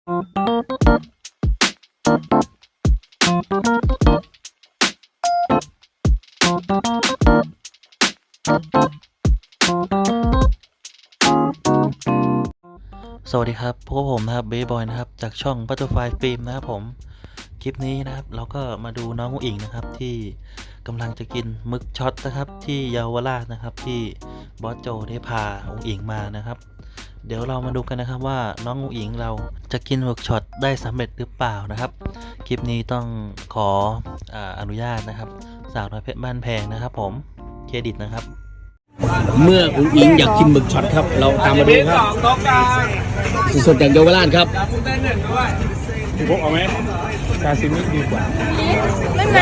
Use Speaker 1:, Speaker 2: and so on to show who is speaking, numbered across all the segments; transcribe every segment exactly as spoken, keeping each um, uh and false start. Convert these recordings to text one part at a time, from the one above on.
Speaker 1: สวัสดีครับพวกผมนะครับเบย์บอยนะครับจากช่อง Butterfly Film นะครับผมคลิปนี้นะครับเราก็มาดูน้องอุ๋งอิงนะครับที่กำลังจะกินหมึกช็อตนะครับที่เยาวราชนะครับที่บอสโจได้พาอุ๋งอิงมานะครับเดี๋ยวเรามาดูกันนะครับว่าน้องอุ๋งอิงเราจะกินหมึกช็อตได้สำเร็จหรือเปล่านะครับคลิปนี้ต้องขออ่าอนุญาตนะครับสาวน้อยเพชรบ้านแพงนะครับผมเครดิตนะครับ
Speaker 2: เมื่ออุ๋งอิงอยากกินหมึกช็อตครับเราตามมาดูครับสดๆจากเยาวราชครับ
Speaker 3: พี่พกเอาไหมกาซิมิดีกว่า
Speaker 4: ไม่ไหม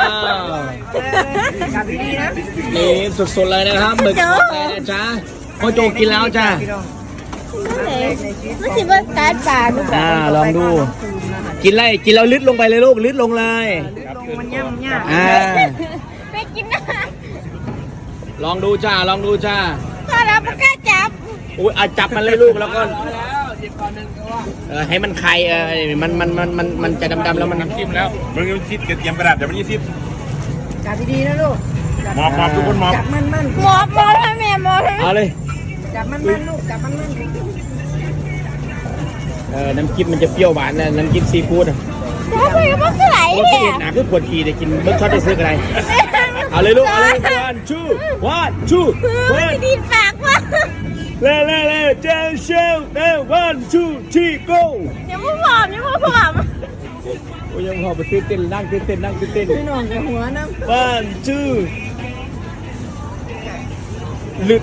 Speaker 2: นี่สดๆเลยนะครับหมึกช็อตเลยนะจ๊ะพ่อโจกินแล้วจ้า
Speaker 4: ไม่ใช่ว่าการปากหรือเปล่า
Speaker 2: อ่าลองดูกินเลยกินแล้วลึดลงไปเลยลูกลึดลงเลยอ่า
Speaker 4: ไม่กินนะ
Speaker 2: ลองดูจ้าลองดูจ้า
Speaker 4: ถ้าเราไม่กล้าจับ
Speaker 2: อุ้ยอ่ะจับมันเลยลูกแล้วก็เออให้มันไข่เออมันมันมันมันมันจะดำๆแล้วมัน
Speaker 3: น้ำจิ้มแล้วมึงยังซิดเตรียมกระดาษเดี๋ยวมันยี่สิบ
Speaker 5: จับดีๆนะลูก
Speaker 3: มอบมอบทุกคนมอบ
Speaker 5: จับมันมัน
Speaker 4: หมอบหมอบให้แม่หมอบให้
Speaker 2: เอาเลย
Speaker 5: จับมันมันลูกจับมันมัน
Speaker 2: เออน้ำจิ้มมันจะเปรี้ยวหวานนะน้ำจิ้มซีฟู้ดอ่ะ
Speaker 4: แล้วไปมันก็ไหล
Speaker 2: โอ้
Speaker 4: เนี่ย
Speaker 2: ยหนาคือปวดขี้แต่กินเบิร์ดช็อตได้ซื้ออะไรเอาเลยลูกเอาเลย one two one two
Speaker 4: ไม่
Speaker 2: one
Speaker 4: ดีปากว่ะ
Speaker 2: เร็วเร็วเร็วเจ้าเชลเร็ว one two three go
Speaker 4: เดี๋ยวมึงหมอบเดี๋ยวมึงหมอบ
Speaker 2: โอ้ยยังพอไปเต้นเต้นนั่งเต้นเต้นนั่งเต้นเต้น
Speaker 5: พี่น้องกับหัวน้ำ
Speaker 2: one two ลึก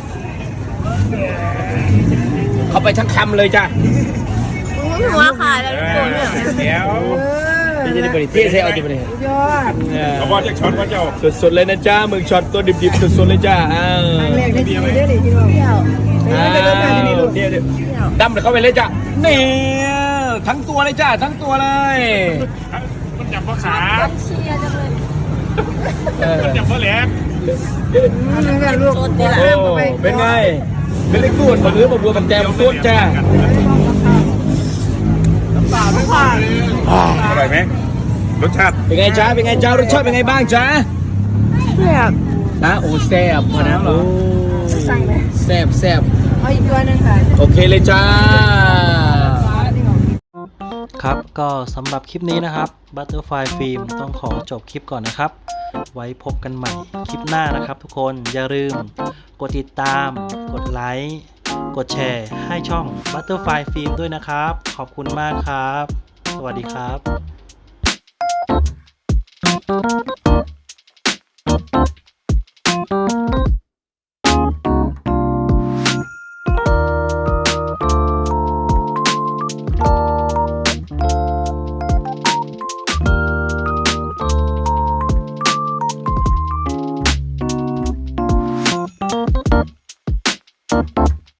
Speaker 2: เข้าไปทั้งคำเลยจ้ะ
Speaker 4: มึงหัวขาดแล้วโกนเนี่ย
Speaker 3: เดี๋ยว
Speaker 2: นี่จะได้บริเทศให้เอาจะบริเทศ
Speaker 5: ยอด
Speaker 3: เขาบอกจะช็อตว่าเจ้า
Speaker 2: สดๆเลยนะจ้าหมึกช็อตตัวดิบๆสดๆเลยจ้าอ้าว
Speaker 5: ครั้งแรกในชีวิตเลยพี่น้อง
Speaker 4: เที่ยว
Speaker 2: อ้าว
Speaker 5: ไปเริ่มมาที่นี่ลูก
Speaker 2: เดี๋ยวเดี๋ยวดำเลยเข้าไปเลยจ้ะนี่ทั้งตัวเลยจ้าทั้งตัวเลย
Speaker 3: มันจับพ่อขา
Speaker 4: เชียร์จังเลย
Speaker 2: เออ
Speaker 3: มันจับพ่อแหลก
Speaker 5: นั่นก็ลูก
Speaker 2: โอ้เป็นไงเป็นเล็กตูดบนเรือบัวกับแจมตูดจ้า
Speaker 3: อร่อยไหมรสชาติ
Speaker 2: เป็นไงจ้าเป็นไงจ้ารสชาติเป็นไงบ้างจ้า
Speaker 4: เที่ยว
Speaker 2: นะโอ้แซ่บพอนะโอ้แซ่บแซ่บ
Speaker 5: เอาอีกตัวนึงค่ะ
Speaker 2: โอเคเลยจ้า
Speaker 1: ครับก็สำหรับคลิปนี้นะครับ Butterfly Film ต้องขอจบคลิปก่อนนะครับไว้พบกันใหม่คลิปหน้านะครับทุกคนอย่าลืมกดติดตามกดไลค์กดแชร์ให้ช่อง Butterfly Film ด้วยนะครับขอบคุณมากครับสวัสดีครับ